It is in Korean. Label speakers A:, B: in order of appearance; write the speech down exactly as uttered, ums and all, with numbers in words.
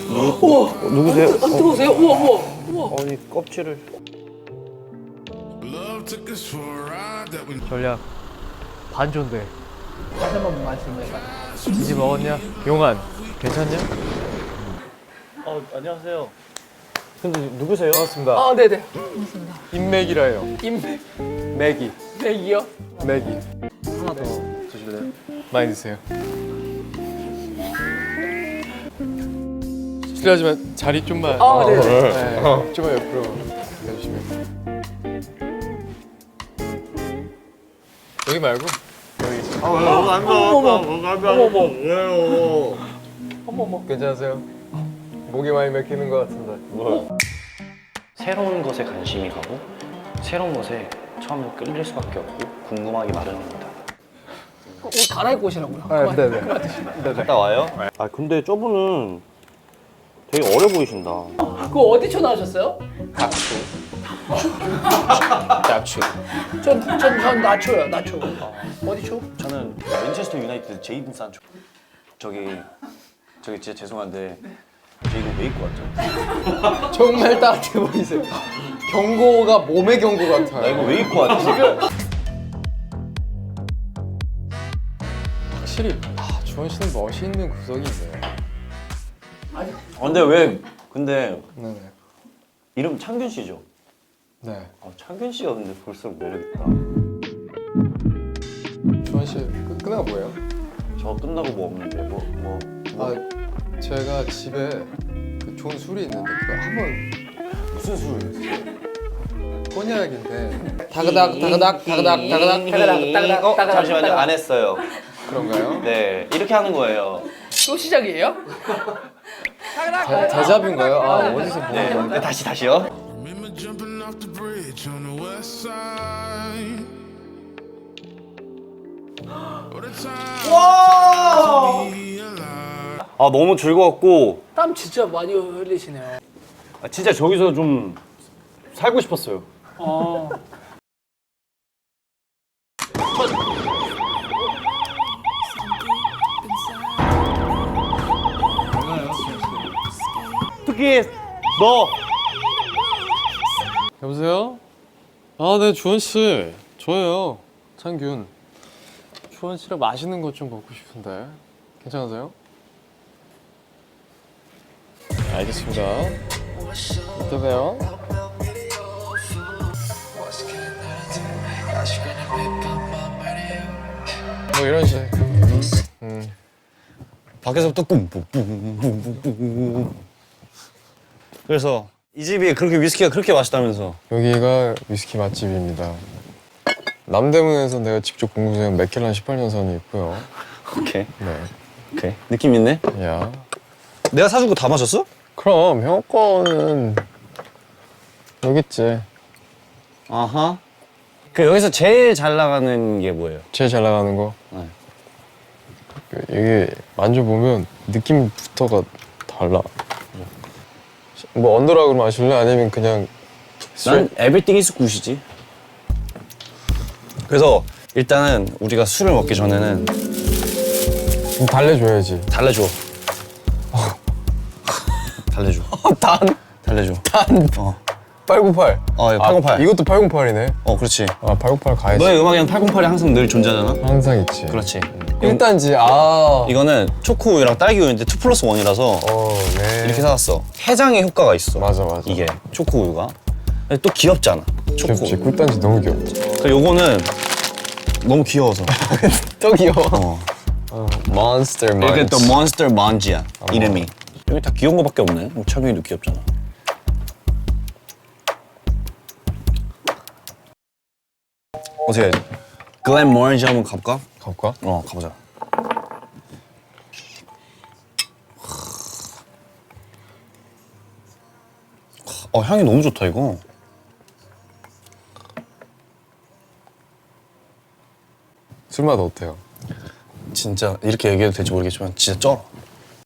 A: 우와.
B: 누구세요?
A: 안, 안 뜨거우세요? 우와 우와 우와.
B: 아니 껍질을.
C: 전략 반존대.
A: 다시 한번 말씀해 봐.
C: 이제 먹었냐? 용안 괜찮냐?
B: 어 안녕하세요. 근데 누구세요?
C: 반갑습니다.
A: 아 네네.
C: 인맥이라요.
A: 인맥
C: 맥이.
A: 맥이요?
C: 맥이.
A: 하나 더.
B: 드실래요?
C: 많이 드세요. 실례하지만 자리 좀만.
A: 아 네네.
C: 네, 좀만 옆으로 가주시면. 여기 말고 여기.
B: 아 왜? 너무 안 봐. 너무 안 봐.
A: 어머.
B: 왜요?
A: 어머 어머.
C: 괜찮으세요? 목이 많이 맥히는 것 같은데.
B: 뭐?
D: 새로운 것에 관심이 가고 새로운 것에 처음에 끌릴 수밖에 없고 궁금하기 마련입니다.
A: 옷 갈아입고 오시라고요.
C: 아, 네네.
B: 갔다 와요? 아 근데 저분은 되게 어려 보이신다.
A: 그거 어디 초 나오셨어요?
D: 납치. 납치.
A: 전전전 나초요 나초. 어디 초?
D: 저는 맨체스터 유나이티드 제이든 산초. 저기 저기 진짜 죄송한데 저 이거 왜 입고 왔죠?
C: 정말 따뜻해 보이세요. 경고가 몸의 경고 같아요.
D: 나 이거 왜 입고 왔지 지금?
C: 확실히 아, 주원 씨는 멋이 있는 구석이 있네요.
A: 아니
D: 아, 근데 왜 근데
C: 네네.
D: 이름 창균 씨죠?
C: 네.
D: 아, 창균 씨가 근데 볼수록 매력 있다.
C: 주원 씨 끝, 끝나가 뭐예요?
D: 저 끝나고 뭐 없는데 뭐 뭐. 뭐.
C: 아 제가 집에 그 좋은 술이 있는데 그거 한번
D: 무슨 술이었어요?
C: 꼬냑인데 다그닥 다그닥 다그닥 다그닥
A: 따가닥 따가닥
D: 어,
A: 따가닥
D: 잠시만요.
A: 따가닥.
D: 안 했어요.
C: 그런가요?
D: 네, 이렇게 하는 거예요.
A: 또 시작이에요?
C: 대, 대자뷰인가요? 아 어디서 본
D: 네,
C: 건데?
D: 네, 다시 다시요.
E: Remember jumping off the bridge on the west side. What a time to be alive.
B: 아 너무 즐거웠고
A: 땀 진짜 많이 흘리시네요.
B: 아, 진짜 저기서 좀 살고 싶었어요.
A: 어.
B: 특히 너.
C: 여보세요? 아, 네, 주원 씨. 저예요. 창균. 주원 씨랑 맛있는 것 좀 먹고 싶은데. 괜찮으세요? 알겠습니다. 이따 봬요. 뭐 이런 식. 음.
B: 밖에서부터 뿜뿜뿜뿜뿜뿜. 그래서 이 집이 그렇게 위스키가 그렇게 맛있다면서.
C: 여기가 위스키 맛집입니다. 남대문에서 내가 직접 공부한 맥켈란 십팔 년산이 있고요.
B: 오케이.
C: 네.
B: 오케이. 느낌 있네.
C: 야.
B: 내가 사준 거 다 마셨어?
C: 그럼 형 거는 여기 있지.
B: 아하. 그 여기서 제일 잘 나가는 게 뭐예요?
C: 제일 잘 나가는 거.
B: 네.
C: 그 이게 만져보면 느낌부터가 달라. 뭐 언더락으로 마실래? 아니면 그냥
B: 난 에브리띵 이즈 굿이지. 그래서 일단은 우리가 술을 먹기 전에는
C: 좀 달래줘야지.
B: 달래줘. 달래줘.
C: 단?
B: 달래줘.
C: 단?
B: 어.
C: 팔구팔.
B: 어, 이거 팔공팔.
C: 이것도 팔공팔이네.
B: 어, 그렇지.
C: 아, 팔공팔 가야지.
B: 너의 음악에는 팔공팔이 항상 늘 존재하잖아.
C: 항상 있지.
B: 그렇지.
C: 일 단지, 아.
B: 이거는 초코 우유랑 딸기 우유인데 투 플러스 원이라서
C: 어, 네.
B: 이렇게 사왔어. 해장의 효과가 있어.
C: 맞아, 맞아.
B: 이게 초코 우유가. 근데 또 귀엽잖아. 초코.
C: 귀엽지. 꿀단지 너무 귀엽지.
B: 그 요거는 너무 귀여워서.
C: 또 귀여워.
B: 어.
C: 어, 몬스터
B: 이게
C: 먼치.
B: 또 몬스터 먼지야. 이름이. 여기 다 귀여운 거밖에 없네. 철균이도 귀엽잖아. 어떻게 글렌 모렌지 한번 가볼까?
C: 가볼까?
B: 어, 가보자. 어, 향이 너무 좋다 이거.
C: 술맛 어때요?
B: 진짜 이렇게 얘기해도 될지 모르겠지만 진짜 쩔어.